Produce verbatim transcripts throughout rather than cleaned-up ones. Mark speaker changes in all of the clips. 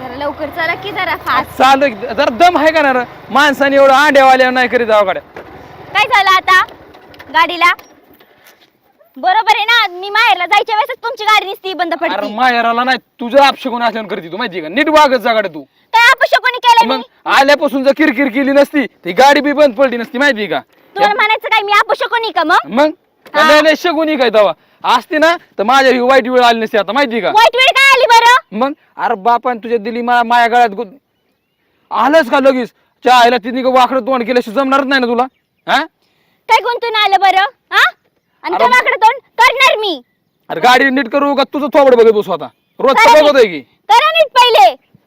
Speaker 1: जरा लवकर चला की जरा फास्ट.
Speaker 2: चालू जरा दम आहे का ना रे? माणसाने एवढं आंड्यावाल्या नाही करीत गावाकडे.
Speaker 1: काय झालं आता गाडीला? बरोबर आहे ना, मी माहेरला जायच्या वेळेस तुमची गाडी नुसती बंद
Speaker 2: अरे
Speaker 1: पडती.
Speaker 2: माहेराला नाही तुझं अपशकून असल्यावर करते तू माहिती का? नीट वागत जागाडे तू.
Speaker 1: काय अपशकुनी केलं
Speaker 2: मग
Speaker 1: मी?
Speaker 2: आल्यापासून जर किरकिर केली नसती ती गाडी बी बंद पडली नसती माहिती का?
Speaker 1: तुला म्हणायचं काय मी अपशकुनी का मग?
Speaker 2: मग लय लय शगुनी काय तवा असते ना तर माझ्या ही वाईट वेळ आली नसती आता माहिती का?
Speaker 1: वाईट वेळ काय आली बरं?
Speaker 2: मग अरे बापान तुझ्या दिली मा- माया गळ्यात गु- आलंच का लगेच चहायला तिने वाकडं तोंड केल्याशी जमणारच नाही ना तुला. हा
Speaker 1: काय गुंतून आलं बरं? हा आणि
Speaker 2: अरे-
Speaker 1: तुझ्याकडे तोंड करणार मी.
Speaker 2: अरे गाडी नीट करू का तुझं थोबड बघत बसू आता रोज
Speaker 1: करा
Speaker 2: बघत आहे की
Speaker 1: करा नीट पहिले.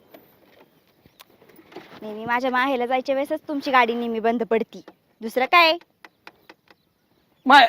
Speaker 1: नेहमी माझ्या माहेरला जायच्या वेळेसच तुमची गाडी नेहमी बंद पडती, दुसरं काय?
Speaker 2: माय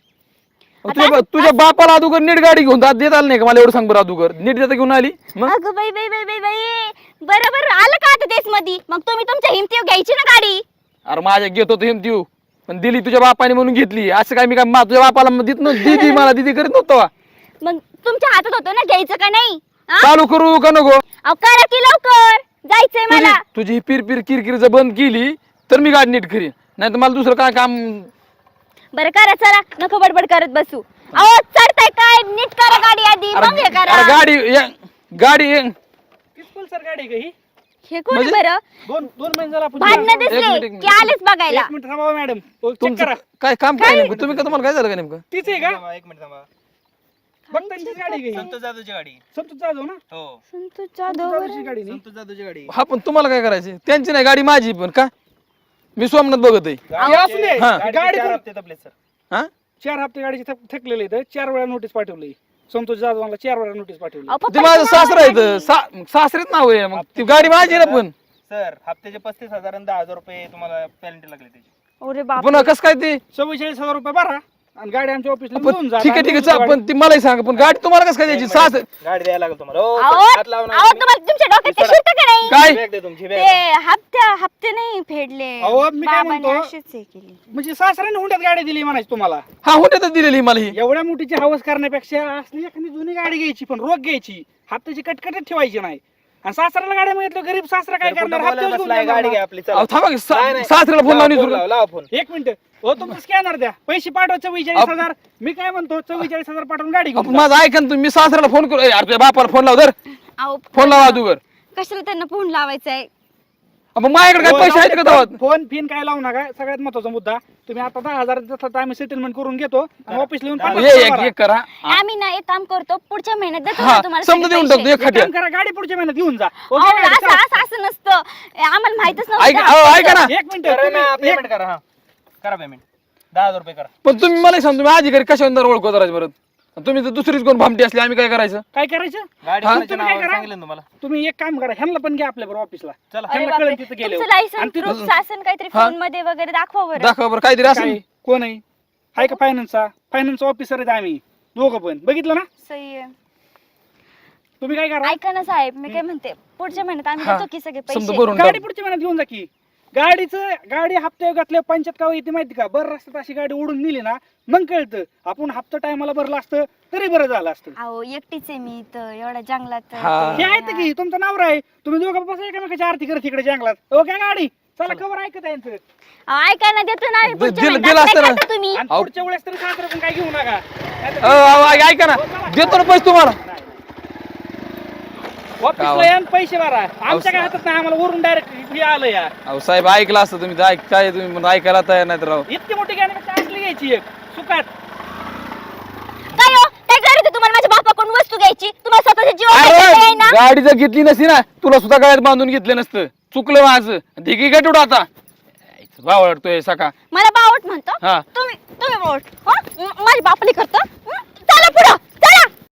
Speaker 1: आता
Speaker 2: तुझ्या बा- तुझ्या बापाला अदुगर नीट गाडी घेऊन जात देत आलं नाही का मला एवढं सांग बरं अदुगर नीट देता घेऊन आली मग
Speaker 1: अगं बाई बाई बाई बाई बाई बरोबर आलं का आता तेच मधी? मग तुम्ही तुमच्या हिमतीवर घ्यायची ना गाडी.
Speaker 2: अरे माझ्या घेत होतो हिमती पण दिली तुझ्या बापाने म्हणून घेतली असं काय मी काय मा- तुझ्या बापाला देत नव्हतं दिदी मला दिदी करीत नव्हतं वा.
Speaker 1: मग तुमच्या हातात होतं ना घ्यायचं का नाही? हा?
Speaker 2: चालू करू का नको
Speaker 1: अहो करा की लवकर, जायचंय
Speaker 2: तुझी
Speaker 1: मला.
Speaker 2: तुझी ही पिर पिर किरकिर जर बंद केली तर मी गाडी नीट करीन नाही तर मला दुसरं काय काम.
Speaker 1: बरं करा चला, नको बडबड करत बसू. अहो चढताय काय? नीट करा गाडी आधी,
Speaker 2: अरे
Speaker 1: मग हे
Speaker 2: अरे
Speaker 1: करा.
Speaker 2: गाडी ये- गाडी ये.
Speaker 3: किती सर गाडी आहे का ही?
Speaker 1: हे कोण
Speaker 2: म्हणजे?
Speaker 1: बरं?
Speaker 3: दोन दोन महिने झाला आपण
Speaker 1: भांडणं
Speaker 2: एक मिनिट,
Speaker 1: दिसले
Speaker 2: एक मिनिट.
Speaker 1: की आलेच बघायला.
Speaker 3: एक मिनिट थांबा मॅडम, चेक
Speaker 2: तुमचं
Speaker 3: करा.
Speaker 2: काय काम काय नेमकं तुम्ही का तुम्हाला काय झालं का नेमकं?
Speaker 3: तीच आहे का?
Speaker 4: थांबा, एक मिनिट थांबा.
Speaker 3: बघतांचीच गाडी आहे का ही?
Speaker 4: संतोष जाधवची गाडी.
Speaker 3: संतोष जाधव ना?
Speaker 4: हो
Speaker 1: संतोष
Speaker 3: संतोष
Speaker 1: जाधव
Speaker 3: जाधवची गाडी नाही?
Speaker 4: संतोष जाधवची गाडी.
Speaker 2: हा पण तुम्हाला काय करायचे त्यांची नाही गाडी माझी पण का मी सोमनाथ बघत आहे
Speaker 3: हे असू दे.
Speaker 2: हा.
Speaker 3: गाडी
Speaker 4: गाडी चार
Speaker 3: कोण-
Speaker 4: हप्ते तपले सर.
Speaker 2: हा
Speaker 3: चार हप्ते गाडीचे थक- थकलेले आहेत. चार वेळा नोटीस पाठवली. संतोष जाधवांना चार वेळा नोटीस पाठवली.
Speaker 1: अहो,
Speaker 2: ते
Speaker 1: पप्पाचं
Speaker 2: माझं
Speaker 1: नाव
Speaker 2: सासरा
Speaker 1: आहे
Speaker 2: आहे सा- सासरेच नाव आहे मग ती गाडी माझी आहे ना पण
Speaker 4: सर हप्त्याचे पस्तीस हजार आणि दहा हजार रुपये तुम्हाला पेनल्टी लागली त्याची.
Speaker 1: अरे बाप.
Speaker 2: पुन्हा कसं काय ते
Speaker 3: चव्वेचाळीस हजार रुपये भरा आणि गाडी आमच्या ऑफिसला
Speaker 2: पण
Speaker 3: घेऊन जा.
Speaker 2: ठीक आहे ठीक आहे चा- पण ती मलाही सांग पण गाडी तुम्हाला कसं काय द्यायची सास
Speaker 4: गाडी द्यायला लागेल तुम्हाला. हो,
Speaker 1: अहो
Speaker 4: हात लावा नका
Speaker 1: अहो,
Speaker 4: तुम्ही.
Speaker 1: तुम्हाला तुमच्या डोक्यात ते शिरतं का नाही?
Speaker 2: काय
Speaker 4: बॅग दे तुमची, बॅग
Speaker 1: ते
Speaker 4: दे.
Speaker 1: हप्ते हप्ते नाही फेडले.
Speaker 3: अहो, मी काय
Speaker 1: बाबांनी
Speaker 3: म्हणतो?
Speaker 1: अशीच हे केली.
Speaker 3: म्हणजे सासऱ्याने हुंड्यात गाडी दिली म्हणायची तुम्हाला.
Speaker 2: हा होण्यातच दिलेली मला ही
Speaker 3: एवढ्या मोठीची हवस करण्यापेक्षा असली एखादी जुनी गाडी घ्यायची पण रोग घ्यायची, हप्त्याची कटकटच ठेवायची नाही. आणि सासऱ्याला गाडी मागितलं गरीब सासरा काय
Speaker 4: सर, कुठं
Speaker 3: करणार?
Speaker 4: बोलायला
Speaker 3: हप्त्यावर घेऊन
Speaker 4: बसलाय, गाडी
Speaker 3: जाणार
Speaker 4: घ्या
Speaker 3: ना.
Speaker 4: आपली, चला.
Speaker 2: अहो, थांबा की सा-
Speaker 4: नाही, नाही.
Speaker 2: सासऱ्याला फोन
Speaker 4: लावा
Speaker 2: लावून
Speaker 4: फोन,
Speaker 2: विचारू.
Speaker 4: लावा लावा फोन.
Speaker 3: एक मिनिट हो, तुमचं स्कॅनर द्या, पैसे पाठवा चव्वेचाळीस
Speaker 2: अप-
Speaker 3: हजार. मी काय म्हणतो चव्वेचाळीस हजार पाठवून गाडी घेऊन
Speaker 2: आपण
Speaker 3: जा.
Speaker 2: माझं ऐका ना तुम्ही मी सासऱ्याला फोन करू ए, अरे तुझ्या बापाला फोन लाव धर
Speaker 1: अहो,
Speaker 2: फोन लावा अदुगर
Speaker 1: कशाला त्यांना फोन लावायचा आहे?
Speaker 2: आपण माझ्याकडे काय
Speaker 3: फोन
Speaker 2: पैसे आहेत का
Speaker 3: लावते,
Speaker 2: तेव्हा?
Speaker 3: फोन फिन काय लावू नका. सगळ्यात महत्वाचा मुद्दा, तुम्ही आता दहा हजार देतात तर आम्ही सेटलमेंट करून घेतो आणि ऑफिसला येऊन पन्नास
Speaker 2: ये
Speaker 3: हजार
Speaker 2: एक
Speaker 3: भरा.
Speaker 2: एक करा
Speaker 1: आम्ही ना एक काम करतो, पुढच्या महिन्यात देतो
Speaker 2: हा
Speaker 1: ना तुम्हाला
Speaker 2: समजा
Speaker 1: सगळे
Speaker 2: देऊन
Speaker 1: पैसे.
Speaker 2: टाकतो एक
Speaker 3: एक
Speaker 2: खाट्या
Speaker 3: काम करा, गाडी पुढच्या महिन्यात घेऊन जा.
Speaker 1: अहो,
Speaker 3: ओके, गाडी
Speaker 1: असं
Speaker 3: चला.
Speaker 1: असं असं नसतं. ए, आम्हाला माहितच
Speaker 2: ऐका
Speaker 1: नव्हतं.
Speaker 2: अहो, ऐका ना
Speaker 3: एक मिनिट
Speaker 4: करा ना,
Speaker 3: तुम्ही-
Speaker 4: पेमेंट करा. हा करा पेमेंट दहा हजार रुपये करा.
Speaker 2: पण तुम्ही मला सांग तुम्ही आधी घरी कशावर ओळखू करायचं बरं तुम्ही तर दुसरीच कोण भामटी असली आम्ही काय करायचं?
Speaker 3: काय करायचं?
Speaker 4: गाडी
Speaker 2: हा?
Speaker 4: कोणाच्या
Speaker 3: तुम्ही काय
Speaker 4: नावावर
Speaker 3: करा?
Speaker 4: सांगितलं ना तुम्हाला.
Speaker 3: तुम्ही एक काम करा, ह्यांना पण घ्या आपल्या बरोबर ऑफिसला.
Speaker 4: चला.
Speaker 1: अरे
Speaker 3: ह्यांना
Speaker 1: बापरे,
Speaker 3: कळलं तिथं गेले
Speaker 1: तुमचं लायसन
Speaker 3: आणि तिथं-
Speaker 1: प्रूफ शासन काहीतरी
Speaker 2: हा.
Speaker 1: फोन मध्ये वगैरे दाखवा बरं.
Speaker 2: दाखवा बरं काहीतरी असं
Speaker 3: काय कोण आहे? हाय का फायनान्सचा? फायनान्स ऑफिसर आहेत आम्ही दोघं पण, बघितलं ना?
Speaker 1: सही आहे.
Speaker 3: तुम्ही काय करा,
Speaker 1: ऐका ना साहेब, मी काय म्हणते, पुढच्या महिन्यात आम्ही
Speaker 2: हा.
Speaker 1: देतो की सगळे
Speaker 2: समजा
Speaker 1: पैसे.
Speaker 2: भरून
Speaker 3: गाडी
Speaker 2: टाक.
Speaker 3: पुढच्या महिन्यात घेऊन जा की. गाडीचं गाडी हप्ते घातल्या पंचायत का येते माहिती का? बरं रस्त्यात अशी गाडी उडून नेली ना मग कळतं. आपण हप्ता टायमाला भरला असतं तरी बरं झालं असतं.
Speaker 1: अहो एकटीच आहे मी इथं एवढ्या जंगलात.
Speaker 2: हा.
Speaker 3: हे आहेत की तुमचं नावर आहे, तुम्ही दोघं बसा एकामेकाची आरती करत तिकडे जंगलात. ओके गाडी चला, कवर ऐकत आहे यांचं.
Speaker 1: अहो, ऐका ना, देतो ना आम्ही
Speaker 2: दि-
Speaker 1: पुढच्या
Speaker 2: दिलं-
Speaker 1: महिन्यात.
Speaker 2: दिलं
Speaker 1: आता
Speaker 2: असतं
Speaker 1: काय
Speaker 2: ना.
Speaker 1: करता तुम्ही?
Speaker 3: आणि
Speaker 2: अहो.
Speaker 3: पुढच्या वेळेस तरी सासरा पण काय घेऊ नका. नाहीतर-
Speaker 2: अहो, अहो, ऐका ना देतो ना पैसे तुम्हाला
Speaker 3: ऑफिसला या आणि पैसे भरा. आमच्या काय हातात नाही, आम्हाला वरून डायरेक्ट हे आलं या.
Speaker 2: अहो साहेब ऐकलं असतं तुम्ही तर ऐक काय तुम्ही म्हणून ऐकायला तयार नाही तर राव
Speaker 3: इतकी मोठी गाडी असली घ्यायची एक सुखात.
Speaker 1: काय हो, काय गरज आहे तुम्हाला माझ्या बापाकडून वस्तू घ्यायची? तुम्हाला स्वतःच्या जीवन
Speaker 2: अरे
Speaker 1: ना.
Speaker 2: गाडी जर घेतली नसती ना तुला सुद्धा गळ्यात बांधून घेतलं नसतं चुकलं माझं धिकी काय तुडं आता वावडतोय सका
Speaker 1: मला बावट म्हणतो
Speaker 2: हा.
Speaker 1: तुम्ही तुम्ही बावट. हं? माझ्या बापाली करतो. हं? चला पुढं.